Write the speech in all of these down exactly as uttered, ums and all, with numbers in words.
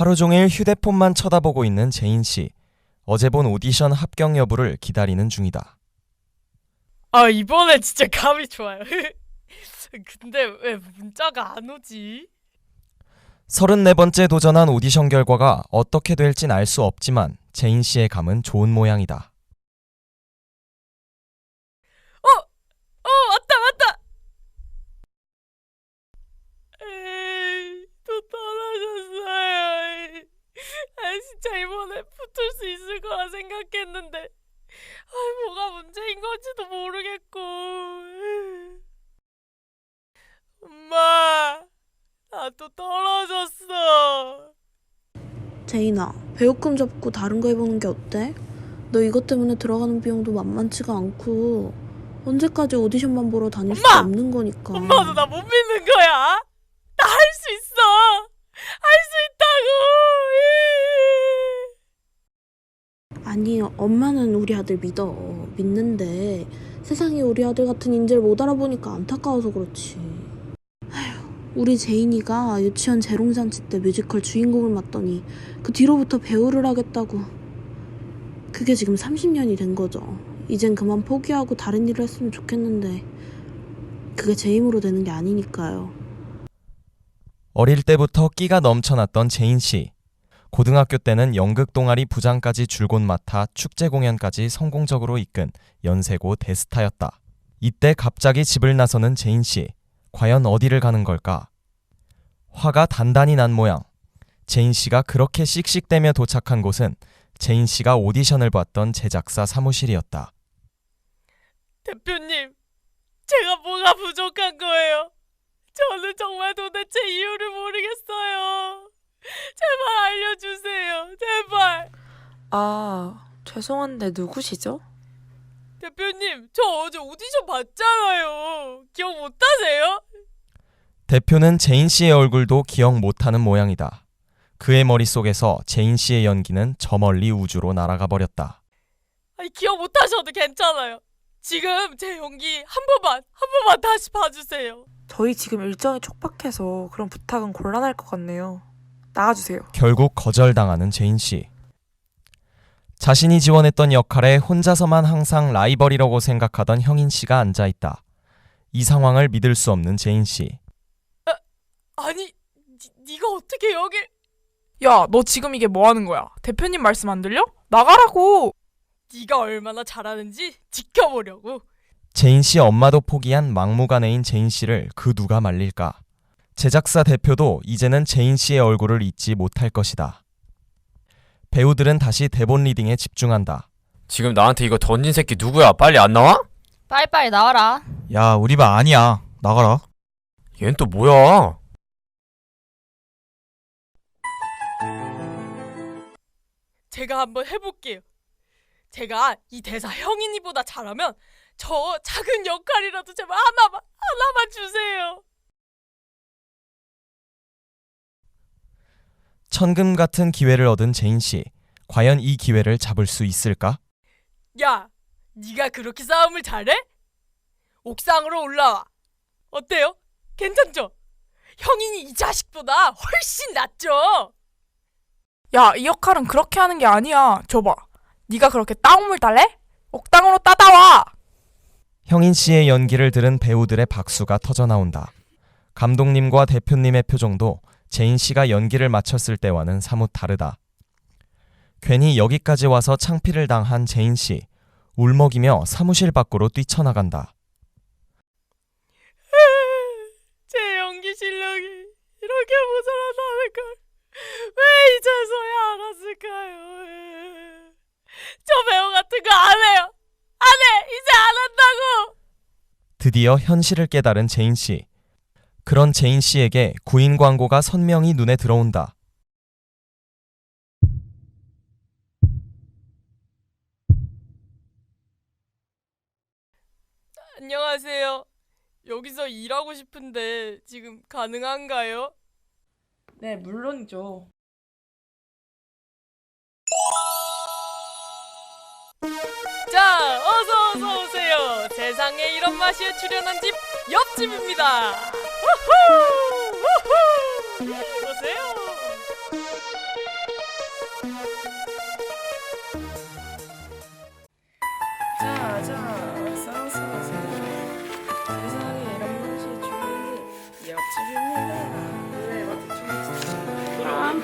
하루 종일 휴대폰만 쳐다보고 있는 제인 씨. 어제 본 오디션 합격 여부를 기다리는 중이다. 아, 이번에 진짜 감이 좋아요. 근데 왜 문자가 안 오지? 서른네 번째 도전한 오디션 결과가 어떻게 될진 알 수 없지만 제인 씨의 감은 좋은 모양이다. 어! 어, 맞다, 맞다! 에이, 또 떨어졌어요. 아, 진짜 이번에 붙을 수 있을 거라 생각했는데 아, 뭐가 문제인 건지도 모르겠고. 엄마, 나 또 떨어졌어. 제인아, 배우금 접고 다른 거 해보는 게 어때? 너 이것 때문에 들어가는 비용도 만만치가 않고 언제까지 오디션만 보러 다닐 수 엄마! 없는 거니까. 엄마도 나 못 믿는 거야? 나 할 수 있어! 할 수 있다고! 아니, 엄마는 우리 아들 믿어. 믿는데 세상에 우리 아들 같은 인재를 못 알아보니까 안타까워서 그렇지. 아휴, 우리 제인이가 유치원 재롱잔치 때 뮤지컬 주인공을 맡더니 그 뒤로부터 배우를 하겠다고. 그게 지금 삼십 년이 된 거죠. 이젠 그만 포기하고 다른 일을 했으면 좋겠는데 그게 제 힘으로 되는 게 아니니까요. 어릴 때부터 끼가 넘쳐났던 제인 씨. 고등학교 때는 연극 동아리 부장까지 줄곧 맡아 축제 공연까지 성공적으로 이끈 연세고 대스타였다. 이때 갑자기 집을 나서는 제인 씨. 과연 어디를 가는 걸까? 화가 단단히 난 모양. 제인 씨가 그렇게 씩씩대며 도착한 곳은 제인 씨가 오디션을 봤던 제작사 사무실이었다. 대표님, 제가 뭐가 부족한 거예요? 저는 정말 도대체 이유를 모르겠어요. 제발 알려주세요. 제발. 아, 죄송한데 누구시죠? 대표님, 저 어제 오디션 봤잖아요. 기억 못하세요? 대표는 제인 씨의 얼굴도 기억 못하는 모양이다. 그의 머릿속에서 제인 씨의 연기는 저 멀리 우주로 날아가 버렸다. 아니, 기억 못하셔도 괜찮아요. 지금 제 연기 한 번만, 한 번만 다시 봐주세요. 저희 지금 일정이 촉박해서 그런 부탁은 곤란할 것 같네요. 나가주세요. 결국 거절당하는 제인 씨. 자신이 지원했던 역할에 혼자서만 항상 라이벌이라고 생각하던 형인 씨가 앉아있다. 이 상황을 믿을 수 없는 제인 씨. 아, 아니, 니, 니가 어떻게 여길... 야, 너 지금 이게 뭐 하는 거야? 대표님 말씀 안 들려? 나가라고! 니가 얼마나 잘하는지 지켜보려고. 제인 씨 엄마도 포기한 막무가내인 제인 씨를 그 누가 말릴까? 제작사 대표도 이제는 제인 씨의 얼굴을 잊지 못할 것이다. 배우들은 다시 대본 리딩에 집중한다. 지금 나한테 이거 던진 새끼 누구야? 빨리 안 나와? 빨리빨리 나와라. 야, 우리 반 아니야. 나가라. 얜 또 뭐야? 제가 한번 해볼게요. 제가 이 대사 형인이보다 잘하면 저 작은 역할이라도 제발 하나만, 하나만 주세요. 천금 같은 기회를 얻은 제인 씨. 과연 이 기회를 잡을 수 있을까? 야, 네가 그렇게 싸움을 잘해? 옥상으로 올라와. 어때요? 괜찮죠? 형인이 이 자식보다 훨씬 낫죠? 야, 이 역할은 그렇게 하는 게 아니야. 줘봐. 네가 그렇게 땅물 달래? 옥당으로 따다와! 형인 씨의 연기를 들은 배우들의 박수가 터져나온다. 감독님과 대표님의 표정도 제인 씨가 연기를 마쳤을 때와는 사뭇 다르다. 괜히 여기까지 와서 창피를 당한 제인 씨. 울먹이며 사무실 밖으로 뛰쳐나간다. 제 연기 실력이 이렇게 모자라다는 걸 왜 이제서야 알았을까요? 저 배우 같은 거 안 해요. 안 해. 이제 안 한다고. 드디어 현실을 깨달은 제인 씨. 그런 제인 씨에게 구인 광고가 선명히 눈에 들어온다. 안녕하세요. 여기서 일하고 싶은데 지금 가능한가요? 네, 물론이죠. 자, 어서 어서 오세요. 세상에 이런 맛이에 출연한 집 옆집입니다. 우후! 우후! 보세요.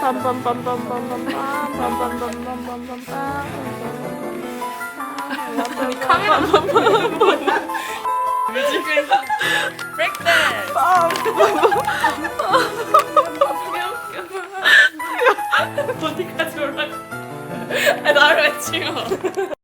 카메라 뮤직을 브레이크댄스 어디까지 올라가? 아, 나를 왜 찍어?